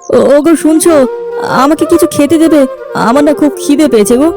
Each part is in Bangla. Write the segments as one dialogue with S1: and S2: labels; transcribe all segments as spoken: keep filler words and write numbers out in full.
S1: ও ও গো, শুনছো? আমাকে কিছু খেতে দেবে, আমার না খুব খিদে পেয়েছে গো।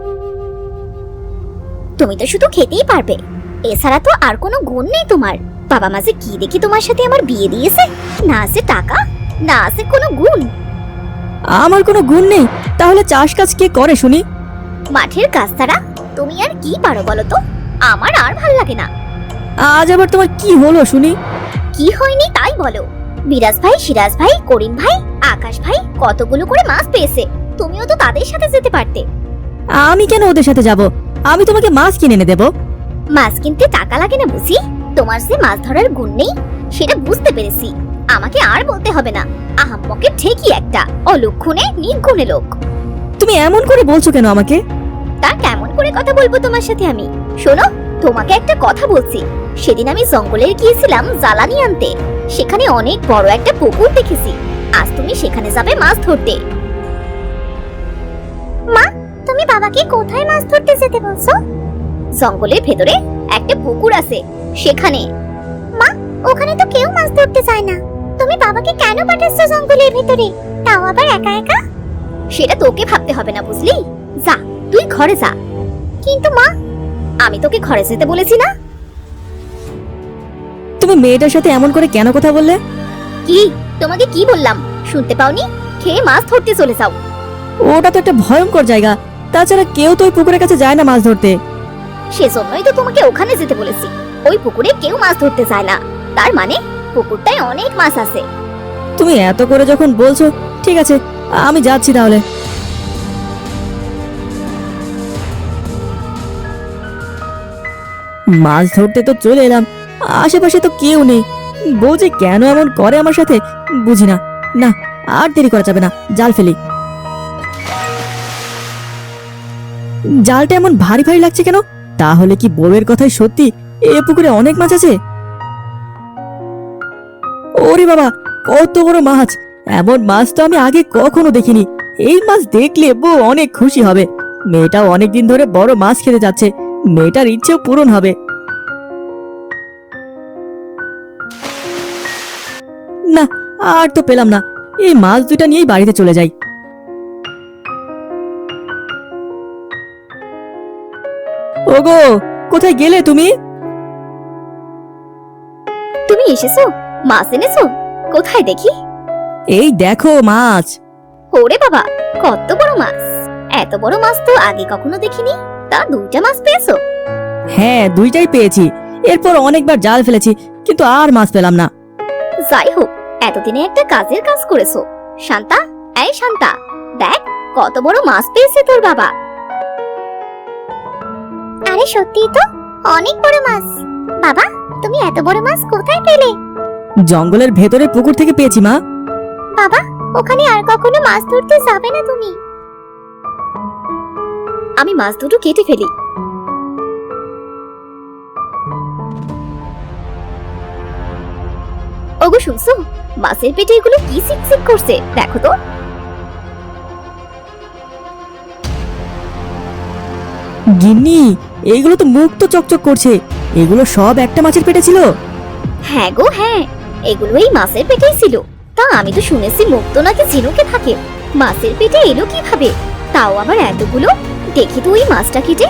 S2: তুমি তো শুধু খেতেই পারবে, এছাড়া তো আর কোনো গুণ নেই তোমার। বাবা মা যে কি দেখি তোমার সাথে আমার বিয়ে দিয়েছে, না আছে টাকা, না আছে কোনো গুণ।
S1: আমার কোনো গুণ নেই? তাহলে চাষ কাজ কে করে শুনি?
S2: মাঠের কাজ ছাড়া তুমি আর কি পারো বলো তো? আমার আর ভাল লাগে না।
S1: আজ আবার তোমার কি হলো শুনি?
S2: কি হয়নি তাই বলো। বিরাজ ভাই, সিরাজ ভাই, করিম ভাই, আকাশ ভাই কতগুলো করে মাছ পেয়েছে, তুমিও তো তাদের সাথে যেতে পারতে।
S1: আমি কেন ওদের সাথে যাব? আমি তোমাকে মাছ কিনে এনে দেবো।
S2: মাছ কিনতে টাকা লাগে না বুঝি? তোমার যে মাছ ধরার গুণ নেই সেটা বুঝতে পেরেছি। আমাকে আর বলতে হবে না, আহাম্মকের ঠিকই একটা অলক্ষণে নির্গুণে লোক।
S1: তুমি এমন করে বলছো কেন আমাকে?
S2: তা কেমন করে কথা বলবো তোমার সাথে আমি? শোনো, তোমাকে একটা কথা বলছি। সেদিন আমি জঙ্গলে গিয়েছিলাম জ্বালানি আনতে, সেখানে অনেক বড় একটা পুকুর দেখেছি। আজ তুমি সেখানে যাবে মাছ ধরতে। মা, তুমি বাবাকে কোথায় মাছ ধরতে যেতে বলছো? জঙ্গলের ভেতরে একটা পুকুর আছে, সেখানে। মা, ওখানে তো কেউ মাছ ধরতে চায় না। তুমি বাবাকে কেন পাঠাচ্ছো জঙ্গলের ভেতরে, তাও আবার একা একা? সেটা তোকে ভাবতে হবে না বুঝলি। যা, তুই ঘরে যা। কিন্তু মা, আমি তোকে ঘরে যেতে বলেছি না?
S1: তুমি মেয়েটার সাথে এমন করে কেন কথা বললে?
S2: কি, তোমাকে কি বললাম শুনতে পাওনি? খেয়ে মাছ ধরতে চলে যাও।
S1: ওটা তো একটা ভয়ঙ্কর জায়গা, তাছাড়া কেউ তো ওই পুকুরের কাছে যায় না মাছ ধরতে।
S2: সেজন্যই তো তোমাকে ওখানে যেতে বলেছি। ওই পুকুরে কেউ মাছ ধরতে যায় না, তার মানে পুকুরটায় অনেক মাছ আছে।
S1: তুমি এত করে যখন বলছো, ঠিক আছে, আমি যাচ্ছি তাহলে। মাছ ধরতে তো চলে এলাম, আশেপাশে তো কেউ নেই। বউ যে কেন এমন করে আমার সাথে বুঝি না। না, আর দেরি করা যাবে না, জাল ফেলি। জালটা এমন ভারী ভারী লাগছে কেন? তাহলে কি বউয়ের কথাই সত্যি এ পুকুরে অনেক মাছ আছে? ওরে বাবা, কত বড় মাছ! এমন মাছ তো আমি আগে কখনো দেখিনি। এই মাছ দেখলে বউ অনেক খুশি হবে। মেয়েটাও অনেকদিন ধরে বড় মাছ খেতে যাচ্ছে, মেয়েটার ইচ্ছেও পূরণ হবে। না, আর তো পেলাম না। এই মাছ দুইটা নিয়েই বাড়িতে চলে যাই। ওগো, কোথায় গেলে তুমি?
S2: তুমি এসেছো? মাছ এনেছো? কোথায় দেখি?
S1: এই দেখো মাছ।
S2: ওরে বাবা, কত বড় মাছ! এত বড় মাছ তো আগে কখনো দেখিনি। তা দুইটা মাছ পেয়েছো?
S1: হ্যাঁ, দুইটাই পেয়েছি। এরপর অনেকবার জাল ফেলেছি, কিন্তু আর মাছ পেলাম না।
S2: যাই হোক, এতদিনে একটা কাজের কাজ করেছো। শান্তা, এই শান্তা, দেখ কত বড় মাছ পেয়েছে তোর বাবা। আরে সত্যি তো, অনেক বড় মাছ। বাবা, তুমি এত বড় মাছ কোথায় পেলে?
S1: জঙ্গলের ভেতরে পুকুর থেকে পেয়েছি মা।
S2: বাবা, ওখানে আর কখনো মাছ ধরতে যাবে না তুমি? আমি মাছ দুটো কেটে ফেলি। ওগো শুনছো, মাছের পেটে এগুলো কি সিকসিক করছে দেখো তো।
S1: গিন্নি, এইগুলো তো মুখ তো চকচক করছে। এগুলো সব একটা মাছের পেটে ছিল?
S2: হ্যাঁ গো হ্যাঁ, এগুলো এই মাছের পেটেই ছিল। তা আমি তো শুনেছি মুক্ত নাকি ঝিনুকে থাকে, মাছের পেটে এলো কিভাবে? তাও আবার এতগুলো। দেখি তো ওই মাছটা কেটে।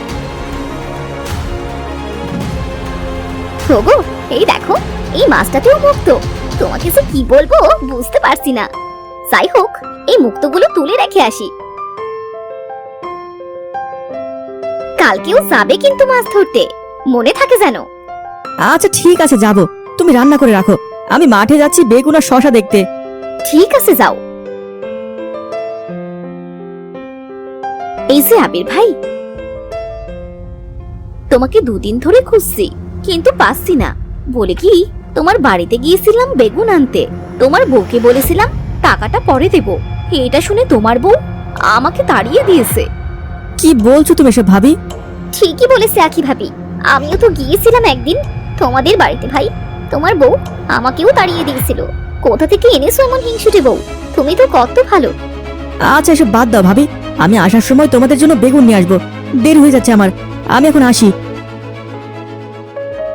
S2: ওগো, এই দেখো, এই মাছটাতেও মুক্ত। তোমাকে যে কি বলবো বুঝতে পারছি না। যাই হোক, এই মুক্তগুলো তুলে রেখে আসি। কালকেও যাবে কিন্তু মাছ ধরতে, মনে থাকে যেন।
S1: আচ্ছা ঠিক আছে, যাব। তুমি রান্না করে রাখো, আমি মাঠে যাচ্ছি বেগুন আর শশা দেখতে।
S2: ঠিক আছে, যাও। এই যে আবির ভাই, তোমাকে দুদিন ধরে খুঁজছি কিন্তু পাচ্ছি না। বলে কি, তোমার বাড়িতে গিয়েছিলাম বেগুন আনতে, তোমার বউকে বলেছিলাম টাকাটা পরে দেব। এটা শুনে তোমার বউ আমাকে তাড়িয়ে দিয়েছে।
S1: কি বলছো তুমি এসব ভাবি?
S2: ঠিকই বলেছে আখি ভাবি, আমিও তো গিয়েছিলাম একদিন তোমাদের বাড়িতে ভাই, তোমার বউ আমাকেও তাড়িয়ে দিয়েছিল। কোথা থেকে এনেছো এমন হিংসুটে বউ? তুমি তো কত ভালো।
S1: আচ্ছা এসব বাদ দাও ভাবি, আমি আসার সময় তোমাদের জন্য বেগুন নিয়ে আসবো। দেরি হয়ে যাচ্ছে আমার, আমি এখন আসি।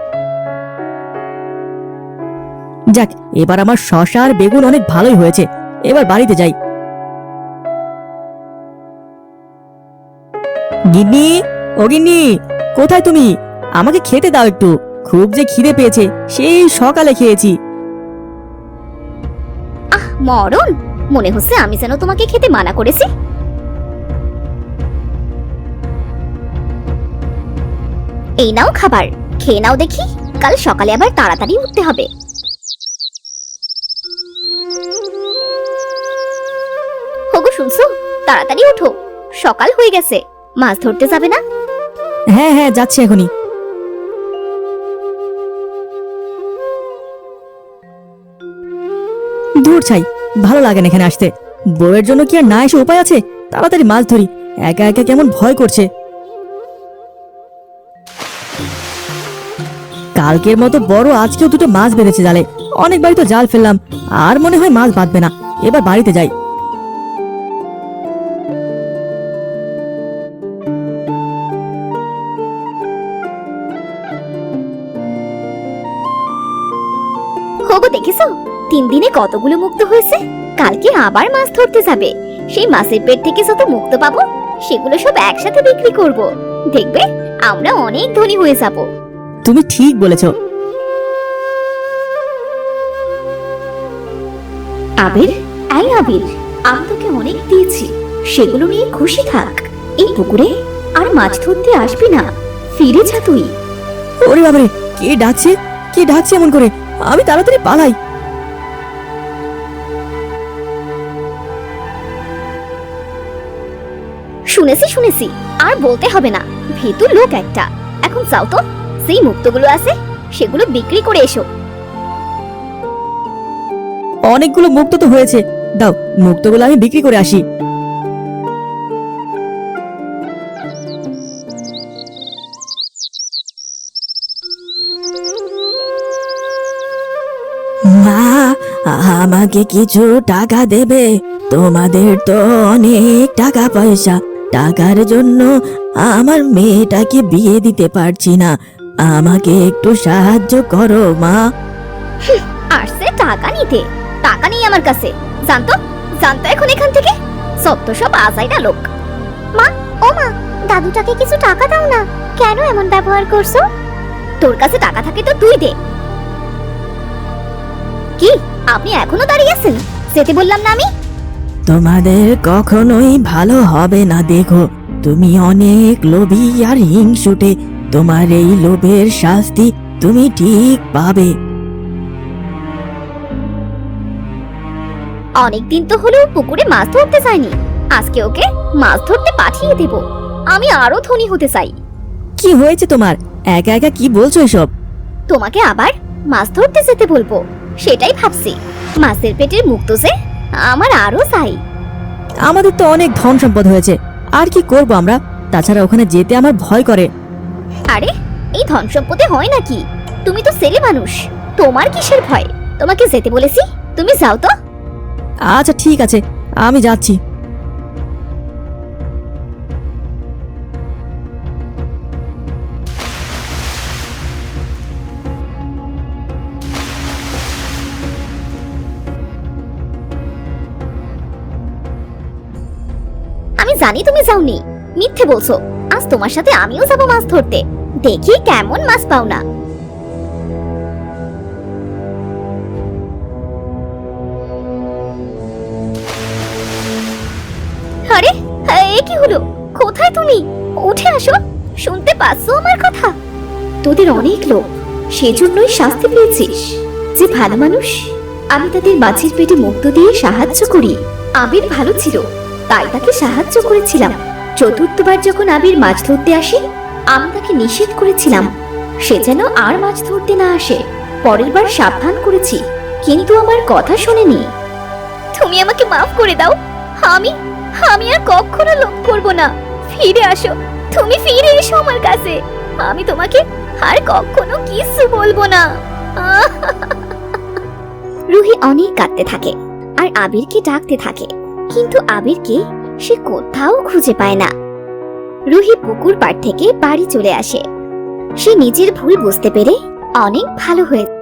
S1: যাক, এবার আমার শশা আর বেগুন অনেক ভালোই হয়েছে। এবার বাড়িতে যাই। গিন্নি, ও গিন্নি, কোথায় তুমি? আমাকে খেতে দাও একটু, খুব যে খিদে পেয়েছে, সেই সকালে খেয়েছি।
S2: আহ মরণ, মনে হচ্ছে আমি যেন তোমাকে খেতে মানা করেছি। এই নাও খাবার, খেয়ে নাও দেখি, কাল সকালে আবার তাড়াতাড়ি উঠতে হবে। ওগো শুনছো, তাড়াতাড়ি উঠো, সকাল হয়ে গেছে, মাছ ধরতে যাবে না?
S1: হ্যাঁ হ্যাঁ, যাচ্ছি এখনই। দূর ছাই, ভালো লাগে না এখানে আসতে। বউয়ের জন্য কি আর না এসে উপায় আছে? তাড়াতাড়ি মাছ ধরি, একা একা কেমন ভয় করছে। কালকের মতো বড় আজকেও দুটো মাছ বেঁধেছে জালে। অনেকবারই তো জাল ফেললাম, আর মনে হয় মাছ বাঁধবে না। এবার বাড়িতে যাই।
S2: ওগো দেখেছো, তিন দিনে কতগুলো মুক্ত হয়েছে। কালকে আবার মাছ ধরতে যাবে, সেই মাছের পেট থেকে যত মুক্ত পাবো সেগুলো সব একসাথে বিক্রি করব। দেখবে আমরা অনেক ধনী হয়ে যাব।
S1: তুমি ঠিক বলেছ।
S2: আবির, এই আবির, আমি তোকে অনেক দিয়েছি, সেগুলো নিয়ে খুশি থাক। এই পুকুরে আর মাছ ধরতে আসবি না, ফিরে যা তুই।
S1: ওরে বাবারে, কে ডাকছে? কে ডাকছে এমন করে? আমি তাড়াতাড়ি পালাই।
S2: শুনেছি শুনেছি, আর বলতে হবে না, ভীতু লোক একটা। এখন যাও তো, সেই মুক্তগুলো আছে সেগুলো বিক্রি করে এসো।
S1: অনেকগুলো মুক্ত তো হয়েছে, দাও মুক্তগুলো আমি বিক্রি করে আসি। মা, আমাকে কিছু টাকা দেবে? তোমাদের তো অনেক টাকা পয়সা, টাকার জন্য আমার মেয়েটাকে বিয়ে দিতে পারছি না, আমাকে একটু সাহায্য করো মা।
S2: আসছে টাকা নিতে, টাকা নেই আমার কাছে, জানতো জানতো এখন এখান থেকে সত্য সব আজাইরা লোক। মা, ও মা, দাদুটাকে কিছু টাকা দাও না, কেন এমন ব্যবহার করছো? তোর কাছে টাকা থাকে তো তুই দে। কি আপনি এখনো দাঁড়িয়ে আছেন? যেতে বললাম না আমি?
S1: তোমাদের কখনোই ভালো হবে না, দেখো তুমি অনেক লোভী আর হিংসুটে, তোমার এই লোভের শাস্তি তুমি ঠিক পাবে।
S2: অনেকদিন তো হলো পুকুরে মাছ ধরতে যায়নি, আজকে ওকে মাছ ধরতে পাঠিয়ে দেব। আমি আরো ধনী হতে চাই।
S1: কি হয়েছে তোমার? একা একা কি বলছো এসব?
S2: তোমাকে আবার মাছ ধরতে যেতে বলবো, সেটাই ভাবছি। মাছের পেটের মুক্ত যে আমার আরো চাই।
S1: আমাদের তো অনেক ধন সম্পদ হয়েছে, আর কি করব আমরা? তাছাড়া ওখানে যেতে আমার ভয় করে।
S2: আরে এই ধন সম্পদে হয় নাকি? তুমি তো ছেলে মানুষ, তোমার কিসের ভয়? তোমাকে যেতে বলেছি, তুমি যাও তো।
S1: আচ্ছা ঠিক আছে, আমি যাচ্ছি।
S2: আমি জানি তুমি যাওনি, মিথ্যে বলছো। আজ তোমার সাথে আমিও যাবো মাছ ধরতে, দেখি কেমন মাছ পাও না। আরে এ কি হলো? কোথায় তুমি? উঠে আসো, শুনতে পাচ্ছো আমার কথা? তোদের অনেক লোক, সেজন্যই শাস্তি পেয়েছিস। যে ভালো মানুষ, আমি তাদের মাছের পেটে মুক্ত দিয়ে সাহায্য করি। আবির ভালো ছিল, তাই তাকে সাহায্য করেছিলাম। চতুর্থবার যখন আবির মাছ ধরতে আসে, আমি তাকে নিষেধ করেছিলাম সে যেন আর মাছ ধরতে না আসে। পরের বার সাবধান করেছি, কিন্তু আমার কথা শোনেনি। তুমি আমাকে মাফ করে দাও, আমি আমি আর কখনো লোভ করব না। ফিরে আসো, তুমি ফিরে এসো আমার কাছে, আমি তোমাকে আর কখনো কিছু বলবো না। রুহি অনেক কাঁদতে থাকে আর আবিরকে ডাকতে থাকে, কিন্তু আবিরকে সে কোথাও খুঁজে পায় না। রুহি পুকুর পাড় থেকে বাড়ি চলে আসে। সে নিজের ভুল বুঝতে পেরে অনেক ভালো হয়েছে।